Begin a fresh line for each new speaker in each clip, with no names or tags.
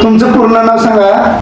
तुमचं पूर्ण नाव सांगा.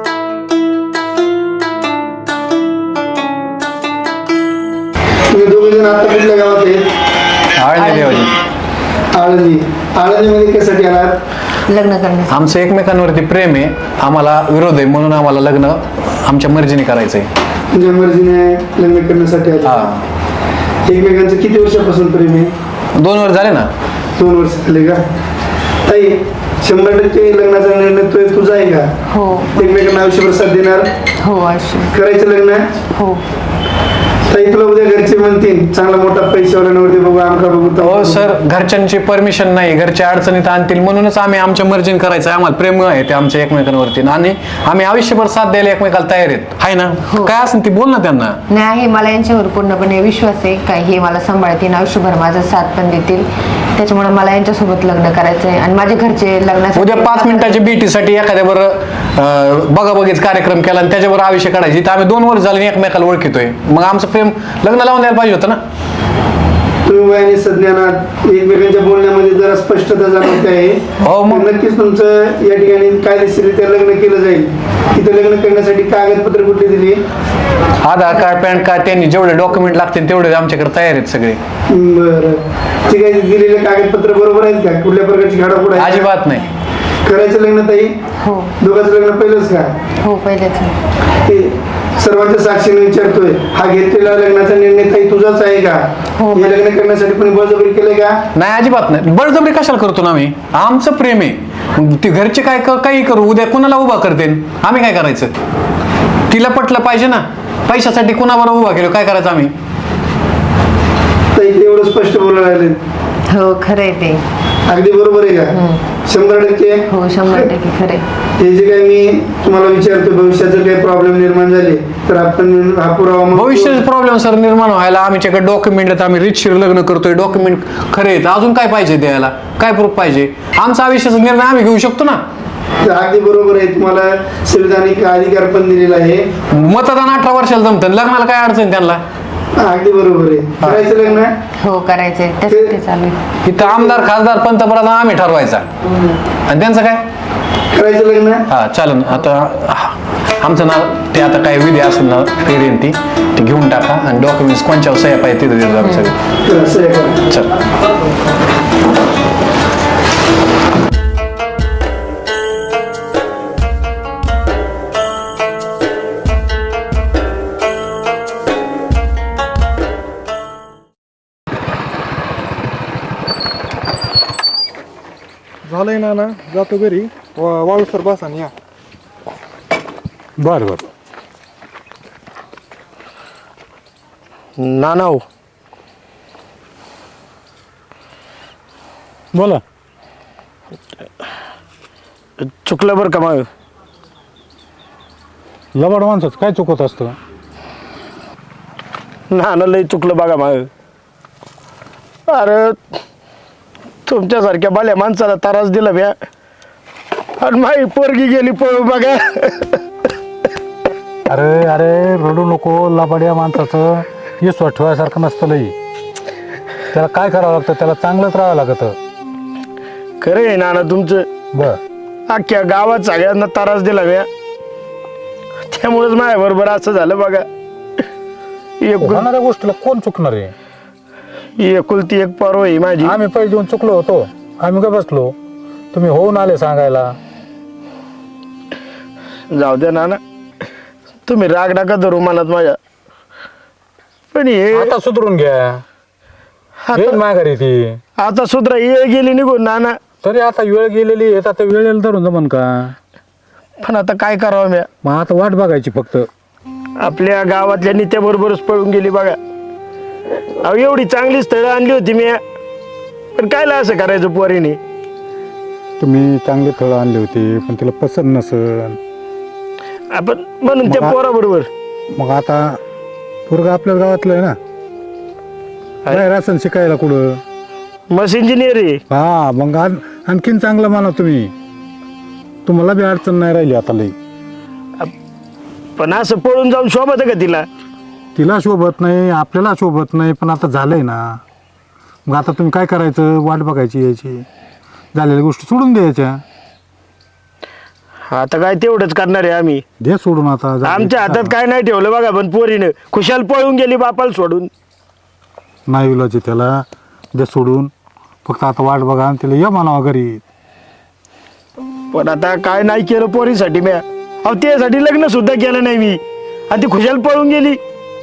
तुम्ही दोघे जण आता कुठल्या गावात आहेत?
आळंदी देवाची.
आळंदी. आळंदीमध्ये कशासाठी आलात?
लग्न करण्यासाठी.
आमचं एकमेकांवरती प्रेम आहे, आम्हाला विरोध आहे, म्हणून आम्हाला लग्न आमच्या मर्जीने करायचंय.
तुमच्या मर्जीने लग्न करण्यासाठी आलात.
हा,
एकमेकांचं किती वर्षापासून प्रेम आहे?
2 वर्ष झाले ना.
2 वर्ष झाले का? ताई 100% लग्नाचा निर्णय तुझा आहे का?
हो
एकमेकांना आयुष्यभर साथ देणार?
हो अशी
करायचं लग्न?
हो.
ताई तुला उद्या घरचे म्हणतील चांगला मोठा पैशावाल्यावरती बघू, आमका बघू.
हो सर, घरच्यांची परमिशन नाही, घरच्या अडचणीत आणतील, म्हणूनच आम्ही आमच्या मर्जीने करायचं. आम्हाला प्रेम आहे ते आमच्या एकमेकांवरती, आणि आम्ही आयुष्यभर साथ द्यायला एकमेकाला तयार आहेत. आहे ना? काय असेल ती बोल ना त्यांना.
नाही आहे, मला यांच्यावर पूर्णपणे विश्वास आहे का हे मला सांभाळतील, आयुष्यभर माझा साथ पण देतील. त्याच्यामुळे मला यांच्यासोबत लग्न करायचं आहे. आणि माझे घरचे लग्नासाठी
उद्या 5 मिनिटाच्या बीटीसाठी एखाद्या बरं बघाबघीच कार्यक्रम केला आणि त्याच्यावर आयुष्य काढायची, तर आम्ही 2 वर्ष झाले एकमेकाला ओळखितोय, मग आमचं प्रेम लग्न लावून द्यायला पाहिजे होतं ना.
तुम्ही वयाने संज्ञानात एकमेकांच्या बोलण्यामध्ये जरा स्पष्टता जाणवते आहे.
हो, मग
नक्कीच तुमचं या ठिकाणी कायदेशीररित्या लग्न केलं जाईल. तिथे लग्न करण्यासाठी कागदपत्र कुठली दिली?
आधार कार्ड, पॅन कार्ड, त्यांनी जेवढे डॉक्युमेंट लागतील तेवढे आमच्याकडे तयार आहेत सगळे.
बरं, ठीक आहे. दिलेले कागदपत्र बरोबर आहेत का? कुठल्या प्रकारची घाडापुड आहे?
अजिबात नाही.
करायचं लग्न ताई?
हो
दोघांचं लग्न पहिलंच का?
हो पहिलेच.
ते सर्वांच्या साक्षीने विचारतोय, हा घेतलेला लग्नाचा निर्णय ताई तुझाच आहे का?
हो.
हे लग्न करण्यासाठी कोणी बळजबरी केलंय का?
नाही, अजिबात नाही. बळजबरी कशाला करतो ना आम्ही? आमचं प्रेम आहे. मग ते घरचे काय काही करू, उद्या कुणाला उभा करते, आम्ही काय करायचं? तिला पटलं पाहिजे ना. पैशासाठी कुणावर उभा केलं, काय करायचं आम्ही?
ताई ते एवढं स्पष्ट बोलायला लागले.
हो खरं आहे ते.
अगदी बरोबर आहे का? 100%?
हो 100% खरं आहे.
हे जे काही मी तुम्हाला विचारतो, भविष्यात जर काही प्रॉब्लेम निर्माण झाले तर आपण हा पुरावा मग-
भविष्याचे प्रॉब्लेम सर निर्माण व्हायला आमच्याकडे डॉक्युमेंट आहेत, आम्ही रितशीर लग्न करतोय, डॉक्युमेंट खरे आहेत, अजून काय पाहिजे द्यायला? काय प्रूफ पाहिजे? आमचा आयुष्याचा निर्णय आम्ही घेऊ शकतो ना.
तर अगदी बरोबर आहे. तुम्हाला संविधानिक अधिकार पण दिलेला आहे.
मतदान 18 वर्षाला जमतं, लग्नाला काय अडचण त्यांना?
अगदी बरोबर आहे. करायचं लग्न?
हो करायचंय, त्यासाठी चालू आहे.
इथं आमदार, खासदार, पंतप्रधान आम्ही ठरवायचा, आणि त्यांचं काय?
करायचं लग्न?
हा चालेल. आता आमचं नाव ते आता काय विधी असेल ना पेरेन ती घेऊन टाका, आणि डॉक्युमेंट्स कोणच्या सह्या पाहिजे तिथे देतो आम्ही सगळे.
तर असं आहे का?
चल.
झालंय ना जातो घरी. वाळूसर बसा आणि या.
बर बर.
ना हो
बोला.
चुकलं बरं का मग.
लबाड माणसाचं काय चुकत असतं?
ना लय चुकलं बघा मग. अरे तुमच्यासारख्या बाल्या माणसाला त्रास दिला म्या, आणि माई पोरगी गेली पळून बघा.
अरे अरे रडू नको. लबाड्या माणसाचं विश्वास ठेवायसारखं नसतं लई. त्याला काय करावं लागतं? त्याला चांगलंच राहावं लागतं.
खरं आहे नाना तुमचं.
बर.
अख्ख्या गावात सगळ्यांना त्रास दिला म्या, त्यामुळेच माझ्या बरोबर असं झालं बघा.
होणाऱ्या गोष्टीला कोण चुकणार आहे?
एकुलती एक पर्व आहे माझी.
आम्ही पैसे देऊन चुकलो होतो, आम्ही काय बसलो? तुम्ही होऊन आले सांगायला.
जाऊ द्या नाना, तुम्ही राग नका धरू मनात माझ्या. पण हे
आता सुधरून घ्या.
आता-
माघारी ती
आता सुधरा ये गेली निघून नाना.
तरी आता वेळ गेलेली आहे, आता वेळेला धरून जमन का?
पण आता काय करावं म्या.
मग आता वाट बघायची फक्त.
आपल्या गावातल्या नित्याबरोबरच पळून गेली बघा. अहो एवढी चांगली स्थळं आणली होती मी, पण कायला असं करायचं पोरीने?
तुम्ही चांगले फळं आणले होते, पण तिला पसंत नसन.
आपण म्हणून त्या
मग
पोराबरोबर.
मग आता पोरगा आपल्याच गावातलं आहे ना, काय रासन शिकायला कुठं?
मस इंजिनियर आहे.
हा मग आणखीन चांगलं माना तुम्ही. तुम्हाला बी अडचण नाही राहिली आता लई.
पण असं पळून जाऊन शोभत का तिला?
तिला शोभत नाही, आपल्याला शोभत नाही, पण आता झालंय ना. मग आता तुम्ही काय करायचं? वाट बघायची यायची, झालेल्या गोष्टी सोडून द्यायच्या.
आता काय तेवढंच करणार आहे आम्ही.
दे सोडून आता
आमच्या हातात काय नाही ठेवलं बघा, पण पोरीनं खुशाल पळून गेली बापाला सोडून.
नाही विलाची त्याला दे सोडून. फक्त आता वाट बघा आणि तिला ये म्हणावं घरी.
पण आता काय नाही केलं पोरीसाठी मी. अहो त्यासाठी लग्न सुद्धा केलं नाही मी, आणि ती खुशाल पळून गेली.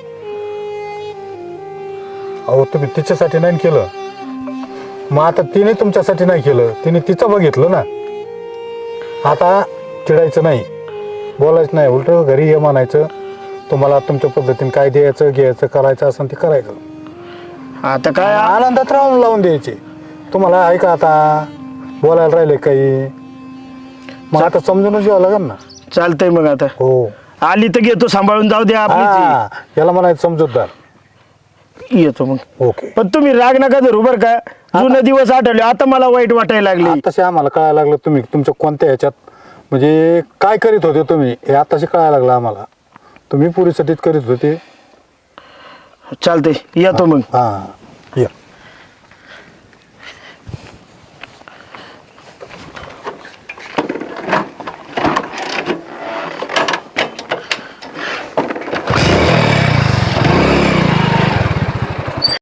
अहो तुम्ही तिच्यासाठी नाही केलं, मग आता तिने तुमच्यासाठी नाही केलं, तिने तिचं बघितलं ना. आता चिडायचं नाही, बोलायचं नाही, उलट घरी ये म्हणायचं. तुम्हाला तुमच्या पद्धतीने काय द्यायचं घ्यायचं करायचं असं ते करायचं.
आता काय
आनंदात राहून लावून द्यायचे. तुम्हाला आहे का आता बोलायला राहिले काही? मग आता समजूनच घ्यावं लागेल ना.
चालतंय मग. आता
हो
आली तर घेतो सांभाळून, जाऊ द्या आपली.
हा, याला म्हणायचं समजूतदार.
येतो मग.
ओके.
पण तुम्ही राग नका धरू बरं का. जुने दिवस आठवले, आता मला वाईट वाटायला लागले.
आताशी आम्हाला कळायला लागलं तुम्ही तुमच्या कोणत्या ह्याच्यात म्हणजे काय करीत होते तुम्ही, हे आताशी कळायला लागलं आम्हाला. तुम्ही पुरीसाठीच करीत होते.
चालतंय, येतो मग.
हा